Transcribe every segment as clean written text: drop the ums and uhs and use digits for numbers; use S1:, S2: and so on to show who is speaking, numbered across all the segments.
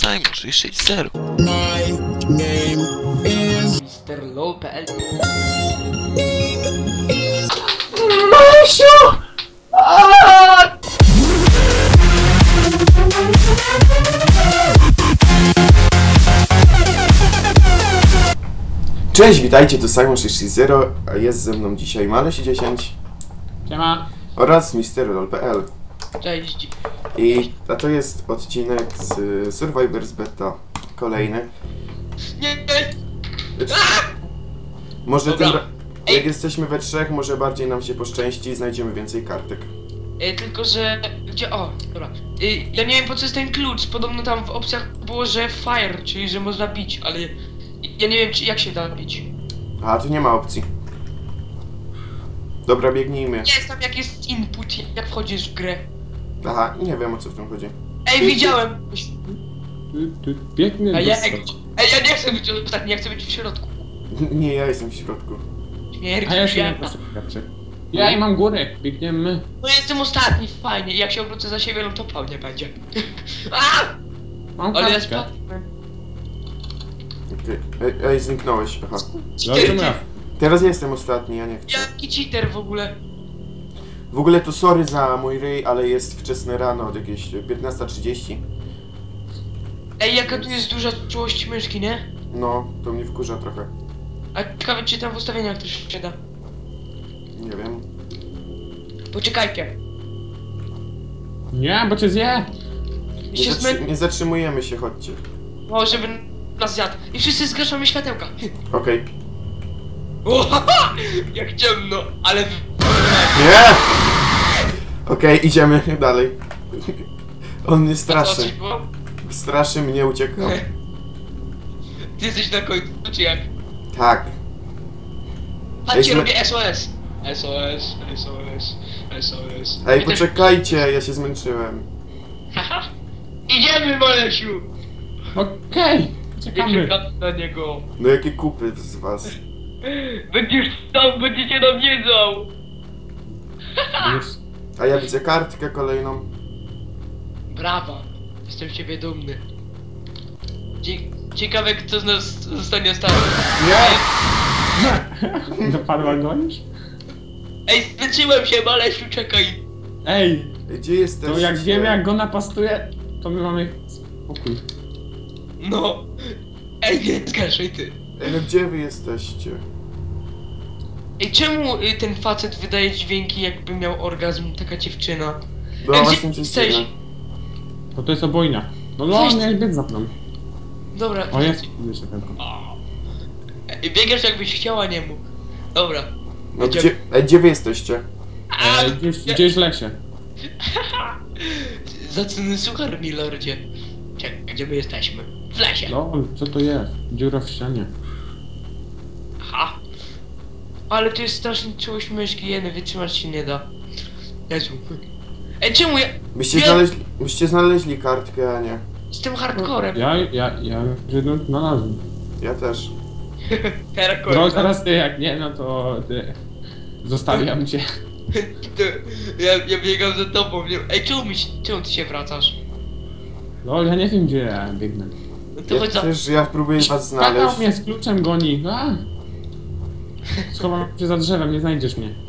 S1: Simon 660.
S2: My name is
S3: Mr. LOL.pl.
S1: Masiu!
S4: Cześć, witajcie, tu Simon 660, a jest ze mną dzisiaj Maleś10
S3: Siema.
S4: oraz Mr. LOL.pl.
S3: Cześć.
S4: A to jest odcinek z Survivors Beta, kolejny.
S3: Nie.
S4: Może
S3: Dobra.
S4: jak jesteśmy we trzech, może bardziej nam się poszczęści i znajdziemy więcej kartek.
S3: Tylko, że... Gdzie... O, dobra. Ja nie wiem, po co jest ten klucz. Podobno tam w opcjach było, że fire, czyli że można bić, ale... Ja nie wiem, jak się da bić.
S4: A, tu nie ma opcji. Dobra, biegnijmy.
S3: Jest tam, jak jest input, jak wchodzisz w grę.
S4: Aha, nie wiem, o co w tym chodzi.
S3: Ej, widziałem!
S5: Biegnie
S3: A
S5: do
S3: ja...
S5: stołu.
S3: Ej, ja nie chcę być ostatni, ja chcę być w środku.
S4: Nie, ja jestem w środku.
S3: Śmierć,
S5: A ja się nie
S3: świata.
S5: posypiaczę. Ja i mam górę, biegniemy.
S3: No jestem ostatni, fajnie. Jak się obrócę za siebie, no to pełnie będzie. A!
S5: Mam
S3: Ale ja
S5: kartkę.
S3: spadłem.
S4: Ej, zniknąłeś, aha.
S5: Zrozumiał.
S4: Teraz ja jestem ostatni, ja nie chcę.
S3: Jaki cheater w ogóle?
S4: W ogóle to sorry za mój ryj, ale jest wczesne rano, od jakieś 15:30.
S3: Ej, jaka tu jest duża czułość myszki, nie?
S4: No, to mnie wkurza trochę.
S3: A ciekawe, czy tam w ustawieniach też się da.
S4: Nie wiem.
S3: Poczekajcie.
S5: Nie, bo cię zje.
S4: Nie zatrzymujemy się, chodźcie.
S3: No, żeby nas zjadł. I wszyscy zgaszamy światełka.
S4: Okej.
S3: O, haha! Jak ciemno, ale...
S4: Nie! Okej, idziemy dalej. On mnie
S3: A co,
S4: straszy.
S3: coś było?
S4: Straszy mnie, uciekam.
S3: Ty jesteś na końcu, czy jak?
S4: Tak.
S3: Patrzcie,
S4: Ej,
S3: robię SOS. SOS, SOS, SOS.
S4: Ej,
S3: Ja też-
S4: poczekajcie, ja się zmęczyłem.
S3: Haha! Idziemy, Malesiu!
S5: Okej,
S3: Nie
S5: czekamy.
S3: czekam na niego.
S4: No jakie kupy z was.
S3: Będziesz tam, będziecie nam jedzą!
S5: Już.
S4: A ja widzę kartkę kolejną.
S3: Brawa! Jestem z ciebie dumny. Ciekawe, kto z nas zostanie ostatni.
S5: Dopadła go już?
S3: Ej, zmęczyłem się, Malesiu, czekaj!
S5: Ej,
S4: Ej, gdzie jesteście?
S5: to jak wiemy jak go napastuje, to my mamy spokój.
S3: No! Ej, nie zgaszaj ty!
S4: Ej, no gdzie wy jesteście?
S3: Ej, czemu ten facet wydaje dźwięki, jakby miał orgazm, taka dziewczyna?
S4: No
S3: Ej,
S4: właśnie
S3: gdzie
S4: coś
S3: jesteś?
S4: dziwne.
S5: Bo to jest obojna. No no, miałeś biec za mną.
S3: Dobra.
S5: O jest, widzę tylko.
S3: Ej, biegasz jakbyś chciała niemu. Dobra.
S4: No gdzie wy jesteście?
S5: Gdzieś w lesie.
S3: Zacny suchar, milordzie. Czekaj, gdzie my jesteśmy? W lesie.
S5: No, co to jest? Dziura w ścianie.
S3: Aha. Ale to jest strasznie czułość myszki, jeny, wytrzymać się nie da. Jezu. Ej, czemu ja...
S4: Byście znaleźli kartkę, a nie.
S3: Z tym hardcorem.
S5: Ja już jedną znalazłem.
S4: Ja też.
S3: Hardcorem.
S5: No teraz ty, jak nie, no to ty. Zostawiam cię.
S3: Ja biegam za tobą, nie? Ej, czemu ty się wracasz?
S5: No, ja nie wiem gdzie ja biegnę.
S3: No to chodź za...
S4: Ja próbuję was znaleźć.
S5: Kakał mnie z kluczem goni. A! Schowam się za drzewem, nie znajdziesz mnie.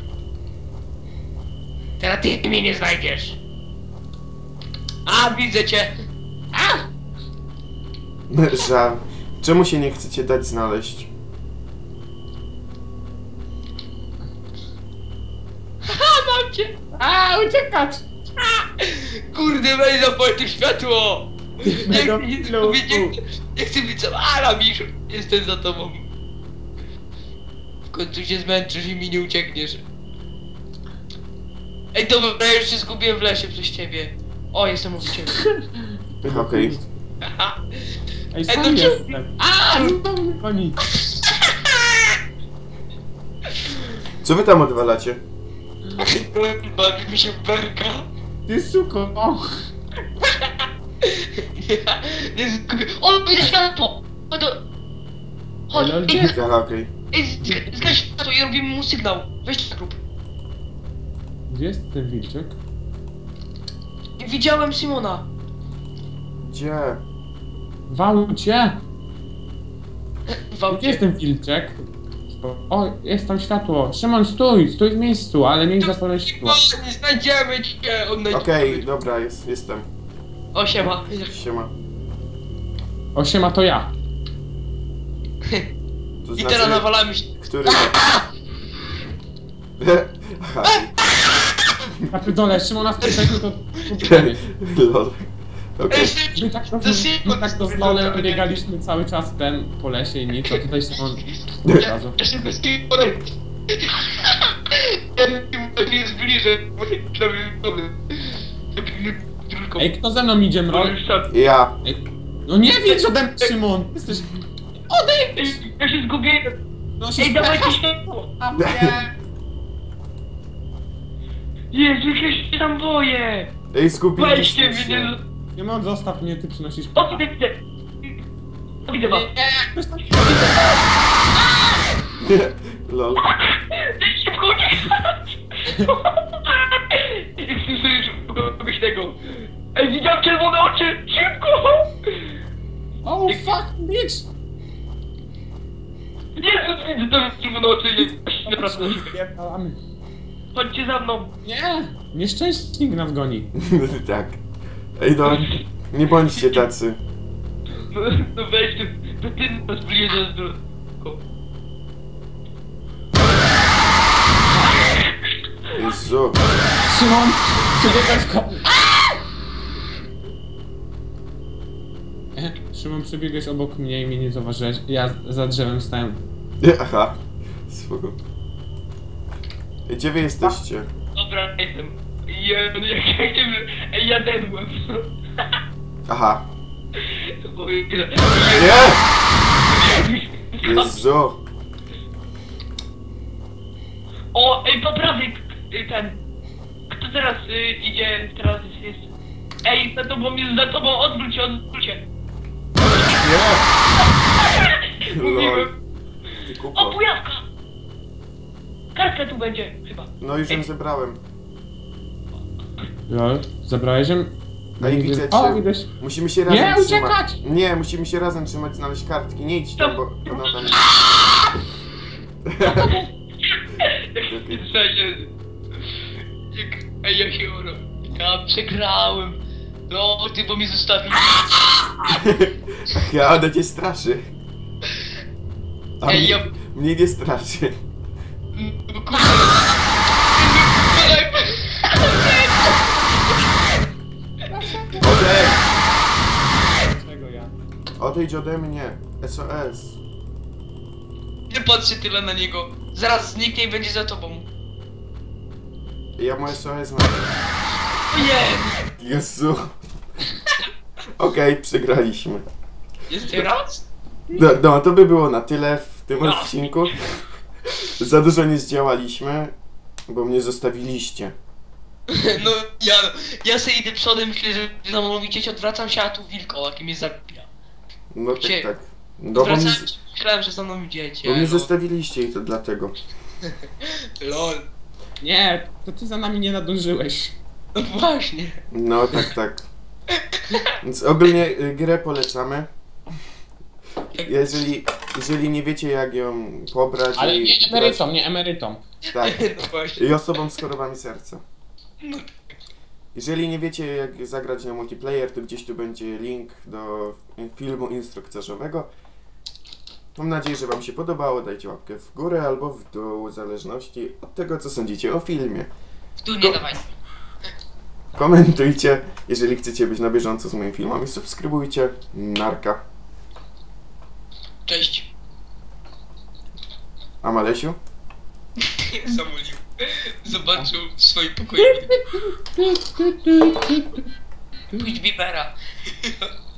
S3: Teraz ty mnie nie znajdziesz. A, widzę cię. A!
S4: Żal. Czemu się nie chcecie dać znaleźć?
S3: A, mam cię.
S5: A, uciekać!
S3: Kurde, weź zapal to światło. Nie chcę
S5: Mega
S3: nic
S5: flow.
S3: mówić, nie chcę być sam. A, Miszu, jestem za tobą. W końcu się zmęczysz i mi nie uciekniesz. Ej, dobra, ja już się zgubiłem w lesie przez ciebie. O, jestem u ciebie.
S4: Okej.
S5: Ej,
S3: to
S5: sam
S3: czemu-
S5: jestem. A, znowu mnie goni.
S4: Co wy tam odwalacie?
S3: Bawi mi się berka.
S5: Ty suko, o!
S3: Nie zgubię. O, widzę światło! Chodź, chodź,
S5: Ale
S3: ej,
S5: gdzie?
S4: Aha, okej.
S3: zgaś światło i robimy mu sygnał. Weź na grób.
S5: Gdzie jest ten wilczek?
S3: Widziałem Simona.
S4: Gdzie?
S5: Walcie!
S3: Wam
S5: Gdzie jest ten filczek? O, jest tam światło. Szymon, stój! Stój w miejscu, ale nie zapalę światła.
S3: Nie znajdziemy cię!
S4: Okej, dobra, jestem.
S3: O, siema.
S4: Siema.
S5: O, siema, to ja.
S4: To
S3: I teraz nawalamy się.
S4: Który? Aha.
S5: Na dole, Szymon, nas przeszliśmy, to...
S4: Lol. Okej.
S5: My tak to z Lolem biegaliśmy cały czas po lesie i nic, a tutaj Szymon... Od razu.
S3: Ja się bez kim podejść. Ja nie zbliżę, bo nie przynajmniej tylko.
S5: Ej, kto ze mną idzie, mrol?
S4: Ja.
S5: Ej, no nie wiedz ode mnie, Szymon! Jesteś... Odejdź!
S3: Ja się zgubiłem.
S5: No się
S3: Ej, dawajcie światło.
S5: A nie!
S3: Jezu, ja się tam boję.
S4: Ej, zgubiliśmy
S3: Weźcie mnie.
S4: się.
S5: Szymon, zostaw mnie, ty przynosisz...
S3: O, widzę. Widzę was.
S5: Ktoś tam...
S4: Lol.
S3: Szybko uciekać! Kogoś tego. Ej, widziałem czerwone oczy! Szybko!
S5: Oh fuck, bitch!
S3: Jezus, widzę te czerwone oczy! Naprawdę.
S5: Spierdalamy.
S3: Chodźcie za mną!
S5: Nie! Nieszczęśnik nas goni.
S4: Tak. Ej, no. Nie bądźcie tacy.
S3: No weź ty, to ty nas bliżej do...
S4: Jezu.
S5: Szymon, przebiegaj w ko... Szymon, przebiegłeś obok mnie i mnie nie zauważyłeś. Ja za drzewem stałem.
S4: Aha. Spoko. Ej, gdzie wy jesteście?
S3: Dobra, jestem. Ej, ja dedłem.
S4: Aha.
S3: Nie!
S4: Nie! Jezu.
S3: O, ej, po prawej, ten. Kto teraz idzie, teraz jest... Ej, za tobą, odwróć się.
S4: Nie! Lol.
S3: Mówiłem.
S4: Ty
S3: O,
S4: kupo.
S3: pujawka! Kartka tu będzie, chyba.
S4: No już ją zebrałem.
S5: Lol, zabrałeś ją?
S4: A i widzę
S5: O,
S4: cię.
S5: widać.
S4: Musimy się razem
S5: Nie,
S4: trzymać.
S5: uciekać!
S4: Nie, musimy się razem trzymać, znaleźć kartki. Nie idź tam, bo ona tam...
S3: Ej, ja się oro. Ja przegrałem. No, ty, bo mnie zostawił.
S4: Ja, ona cię straszy. A
S3: Ej,
S4: mnie,
S3: ja...
S4: mnie nie straszy.
S3: Kurde.
S4: Odejdź!
S5: Czego ja?
S4: Odejdź ode mnie. SOS.
S3: Nie patrzcie tyle na niego. Zaraz zniknie i będzie za tobą.
S4: Ja mu SOS mam.
S3: Ojej!
S4: Jezu. Okej, przegraliśmy.
S3: Jeszcze raz?
S4: No, to by było na tyle w tym
S3: No.
S4: odcinku. Za dużo nie zdziałaliśmy, bo mnie zostawiliście.
S3: No, ja sobie idę przodem, myślę, że za mną widzieć, odwracam się, a tu wilkołak i mnie zabija.
S4: No tak,
S3: Gdzie?
S4: tak. No, bo mnie,
S3: Odwracałem się, myślałem, że za mną idziecie.
S4: bo mnie
S3: no.
S4: zostawiliście i to dlatego.
S3: Lol.
S5: Nie, to ty za nami nie nadążyłeś.
S3: No właśnie.
S4: No tak, tak. Więc ogólnie grę polecamy. Jeżeli nie wiecie jak ją pobrać
S5: Ale
S4: i
S5: nie emerytom, nie emerytom.
S4: tak.
S3: No właśnie.
S4: I osobom z chorobami serca.
S3: No.
S4: Jeżeli nie wiecie jak zagrać na multiplayer, to gdzieś tu będzie link do filmu instruktażowego. Mam nadzieję, że wam się podobało. Dajcie łapkę w górę albo w dół, w zależności od tego co sądzicie o filmie.
S3: Tu nie dawaj.
S4: Komentujcie, jeżeli chcecie być na bieżąco z moimi filmami, subskrybujcie. Narka.
S3: Cześć.
S4: A Malesiu?
S3: Zamówił. Zobaczył w swoim pokoju. Pójdź Bibera.